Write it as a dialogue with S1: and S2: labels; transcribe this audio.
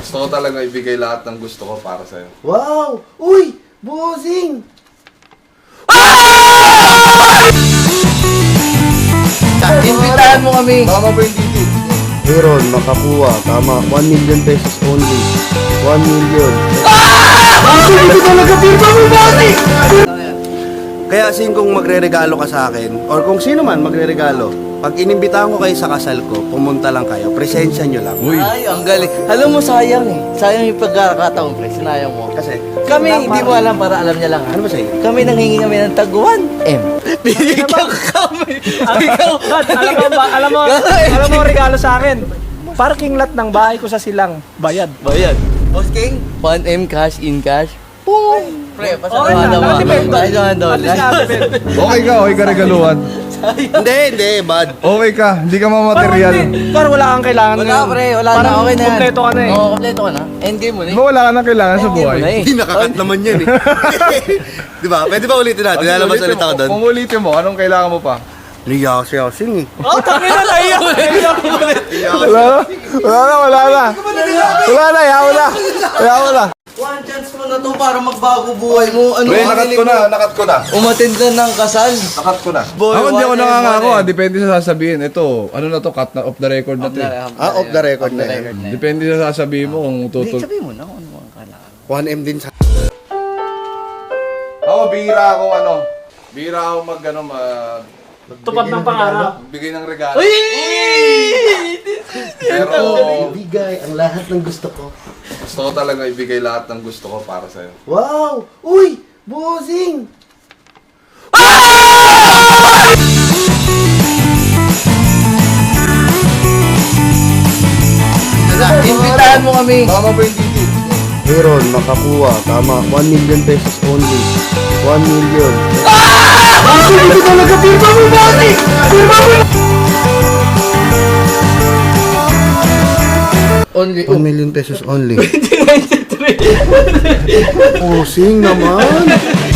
S1: Gusto ko talaga ibigay lahat ng gusto ko para sa'yo.
S2: Wow! Uy! Bossing!
S3: Invitahan mo kami.
S1: Tama ba yung dito?
S2: Aaron, makakuha. Tama. 1 million pesos only. 1 million. Hindi talaga pirma mo, bossing! Kaya kung magre-regalo ka sa akin, or kung sino man magre-regalo, pag inimbitahan ko kayo sa kasal ko, pumunta lang kayo, presensya nyo lang.
S3: Ay, ang galing. Alam mo, sayang eh. Sayang yung pagkakataon, pre. Sinayang mo.
S2: Kasi,
S3: Kami, hindi mo alam para alam niya lang.
S2: ano ba sa'yo?
S3: Kami nanghingi kami ng tag 1M. Binigyan kami. Ikaw,
S4: alam mo regalo sa akin. Parking lot ng bahay ko sa Silang, bayad.
S3: bayad. Boss King, 1M cash in cash. Boom! Pre,
S4: Okay
S3: pasalamat
S4: lang,
S3: naman.
S4: nakatipid.
S3: Ay, naman doon.
S1: Okay ka regaluhan.
S2: Hindi, bad.
S1: Okay ka, hindi ka mamaterial.
S4: Pero wala kang kailangan
S3: Wala,
S4: ngayon.
S3: pre. Wala na.
S4: Parang
S3: Okay na yan.
S4: kompleto ka na eh.
S3: Oo, kompleto ka na. Endgame mo na
S1: Di
S3: eh.
S1: ba wala ka nang kailangan sa
S3: Endgame mo
S1: buhay?
S3: na eh.
S2: Hindi, nakakat naman yan eh. Di ba? Pwede ba ulitin natin? Lalabas ulit ako doon.
S1: Kung ulitin mo, anong kailangan mo pa?
S2: Liyasing eh.
S4: Oh, tangin na tayo.
S1: Wala na. Ayaw na.
S3: One chance mo na to para magbago buhay mo. Ano
S1: Pre,
S3: ang
S1: nakat
S3: hiling
S1: ko na,
S3: mo?
S1: nakat ko na.
S3: Umattend na ng kasal.
S1: Nakat ko na.
S3: Boy,
S1: Ako hindi ako
S3: 1M,
S1: nangangako
S3: 1M.
S1: Depende sa sasabihin. Ito, ano na to, cut na off the record na to.
S2: Off the record na yan.
S1: Depende sa sasabihin mo kung
S3: Hindi,
S1: tutul...
S3: sabihin mo na kung ano ang kailangan.
S2: 1M din sa...
S1: Ako, bihira akong ano. Bihira akong
S4: Tupad ng pangarap.
S1: Bigay ng regalo.
S3: Uy!
S1: Pero
S2: Ibigay ang lahat ng gusto ko.
S1: gusto ko talaga ibigay lahat ng gusto ko para sa'yo.
S2: Wow! Uy! Bossing!
S3: Invitahan mo kami.
S1: Tama ba yung dito?
S2: Aaron, makakuha. Tama. 1 million pesos only. 1 million. Hindi talaga pirma mo, bossing! Pirma mo!
S3: Only.
S2: 1 million pesos only. Bossing naman!